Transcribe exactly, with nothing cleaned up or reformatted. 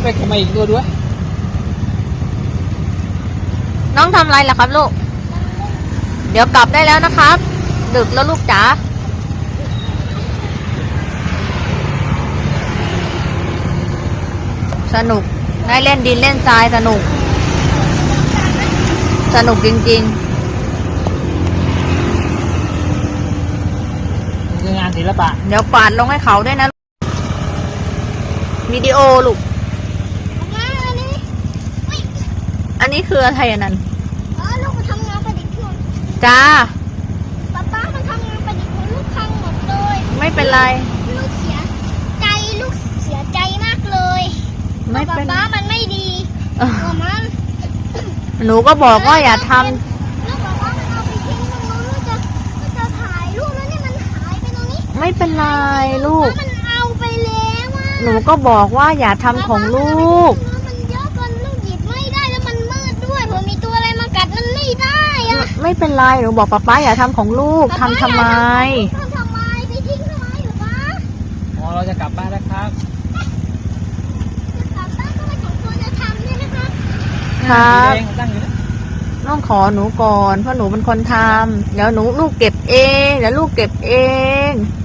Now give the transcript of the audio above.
ไปทำไมอีกตัวด้วยน้องทำอะไรล่ะครับลูกเดี๋ยวกลับได้แล้วนะครับดึกแล้วลูกจ๋าสนุกได้เล่นดินเล่นทรายสนุกสนุกจริงๆคืองานศิลปะเดี๋ยวปาดลงให้เขาด้วยนะวิดีโอลูกอันนี้คืออะไรอันนั้นอ๋อลูกมาทำงานประดิษฐ์หมดจ้าป๊าป๊ามันทำงานประดิษฐ์ของลูกพังหมดเลยไม่เป็นไรลูกเสียใจลูกเสียใจมากเลยไม่เป็นป๊าป๊ามันไม่ดีมันหนูก็บอกว่าอย่าทำลูกบอกว่ามันเอาไปทิ้งตรงนู้นลูกจะลูกจะถ่ายรูปแล้วเนี่ยมันหายไปตรงนี้ไม่เป็นไรลูกมันเอาไปแล้วอ่ะหนูก็บอกว่าอย่าทำของลูกมันเยอะจนลูกหยิบไม่ได้แล้วมันมืดด้วยเผื่อมีตัวอะไรมากัดมันไม่ได้อ่ะไม่เป็นไรหนูบอกป๊าป๊าอย่าทำของลูกทำทำไมทำทำไมไปทิ้งทำไมหรือวะอ๋อเราจะกลับบ้านแล้วครับจะกลับบ้านก็ไม่สมควรจะทำใช่ไหมคะครับตั้งอยู่นะต้องขอหนูก่อนเพราะหนูเป็นคนทำเดี๋ยวหนูลูกเก็บเองเดี๋ยวลูกเก็บเอง